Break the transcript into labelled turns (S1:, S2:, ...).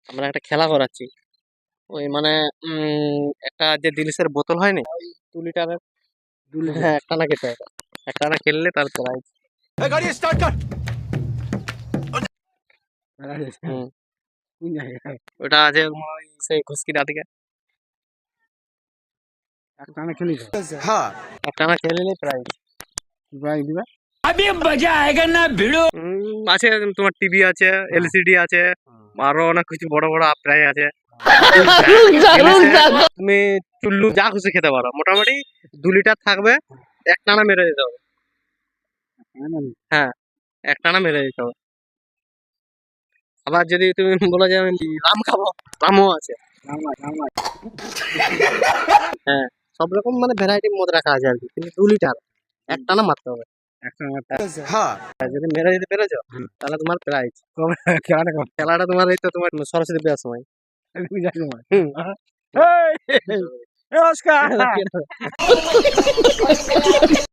S1: আমরা একটা খেলা করাচ্ছি। ওই মানে একটা যে দিলিসের বোতল হয়নি, ওই 2 লিটারের, হ্যাঁ একটানা খেতে হবে। একটানা খেললে তার প্রাইজ। হুম, ওটা আছে তোমার ওই সেই ঘুসকিটা থেকে। একটানা খেলিলে প্রাইজ দিবে। আছে তোমার টিভি আছে, এলসিডি আছে, আরো অনেক কিছু বড় বড় প্রাইজ আছে। তুমি চুল্লু যা খুশি খেতে পারো, মোটামুটি 2 লিটার থাকবে, একটানা মেরে দিতে হবে। হ্যাঁ, একটানা মেরে দিতে হবে। আবার যদি তুমি বলো যে আমি রাম খাবো, রামও আছে। হ্যাঁ, সব রকম মানে ভ্যারাইটি মদ রাখা আছে আর কি, কিন্তু 2 লিটার একটানা মারতে হবে। আর যদি মেরে দিতে পেরেছো তাহলে তোমার প্রাইজ। খেলাটা তোমার এই তো তোমার সরস্বতী পূজার সময়। হুম। নমস্কার।